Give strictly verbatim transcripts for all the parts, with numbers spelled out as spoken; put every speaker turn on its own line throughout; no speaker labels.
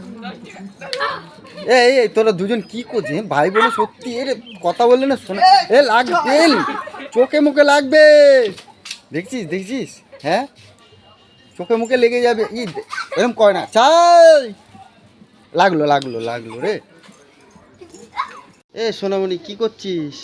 এই এই তোরা দুজন কি করছিস ভাই বোনে? সত্যি এর কথা বললে না শোনা এ লাগবে, চোখে মুখে লাগবে। দেখছিস দেখছিস? হ্যাঁ, চোখে মুখে লেগে যাবে। ই এরকম কয় না। চাই লাগলো লাগলো লাগলো রে। এ সোনামণি কি করছিস?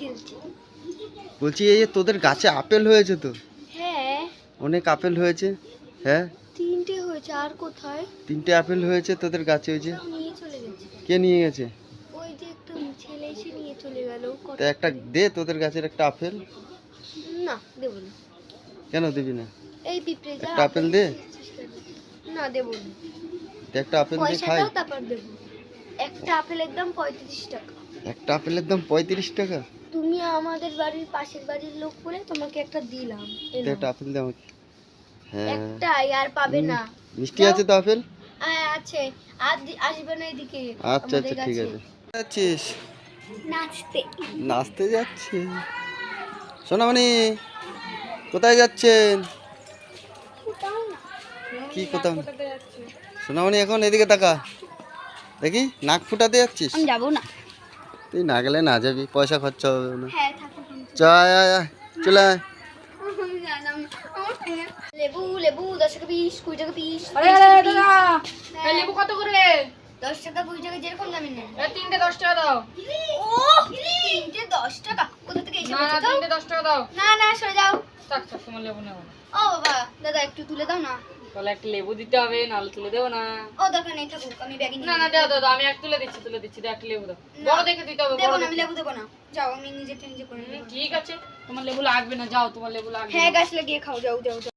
বলছি এই যে তোদের গাছে আপেল হয়েছে তো?
হ্যাঁ,
অনেক আপেল হয়েছে। হ্যাঁ,
তিনটে হয়েছে। আর কোথায়?
তিনটে আপেল হয়েছে তোদের গাছে হয়েছে।
নিয়ে চলে গেছে।
কে নিয়ে গেছে?
ওই যে একটা ছেলে এসে নিয়ে চলে গেল।
তা একটা দে তোদের গাছের একটা আপেল।
না, দেব না।
কেন দিবি না?
এই পিঁপড়ে যা
একটা আপেল দে।
না, দেব না।
একটা আপেল দে
পয়সা
খাই।
দাও, তারপর দেব। একটা আপেলের দাম পঁয়ত্রিশ টাকা।
একটা আপেলের দাম পঁয়ত্রিশ টাকা?
তুমি আমাদের বাড়ির পাশের বাড়ির লোক বলে তোমাকে একটা দিলাম। এই
দে
নাও।
একটা আপেল দে আমাকে। হ্যাঁ,
একটাই, আর পাবে না।
মিষ্টি আছে তো আপেল?
হ্যাঁ আছে। আর দি- আসবে না এদিকে।
আচ্ছা আচ্ছা ঠিক আছে। যাচ্ছিস?
নাচতে।
নাচতে যাচ্ছে সোনামণি? কোথায় যাচ্ছেন? কি কোথাও না? সোনামণি এখন এদিকে তাকা দেখি, নাক ফুটাতে যাচ্ছিস?
আমি যাবো না।
তুই না গেলে না যাবি, পয়সা খরচা হবে না।
হ্যাঁ, থাকো।
চল আয় আয়, চলে আয়।
লেবু লেবু দশ টাকা পিস, কুড়ি টাকা পিস।
আরে আরে দাদা, এই লেবু কত করে?
দশ টাকা কুড়ি টাকা যেরকম দামি নেন।
এই তিনটে দশ টাকা দাও।
ও, তিনটে দশ টাকা কোথা থেকে এসে
না না,
বলছো?
তিনটে দশ টাকা দাও।
না না, সরে যাও।
থাক থাক, তোমার লেবু নেবো না।
ও বাবা, দাদা একটু তুলে দাও না।
তাহলে একটা লেবু দিতে হবে, নাহলে তুলে দেবো না।
ও দরকার নেই, থাকুক, আমি ব্যাগে নিয়ে
না না, দাও দাও দাও, আমি এক তুলে দিচ্ছি, তুলে দিচ্ছি, দাও একটা লেবু দাও। বড় দেখে দিতে হবে,
দেবো
বড়
না, আমি
দেখে।
লেবু দেবো না। যাও, আমি নিজে নিজে করে
হুম,
নেবো।
ঠিক আছে, তোমার লেবু লাগবে না, যাও, তোমার লেবু লাগবে
হ্যাঁ,
না।
গাছ লাগিয়ে খাও, যাও যাও যাও।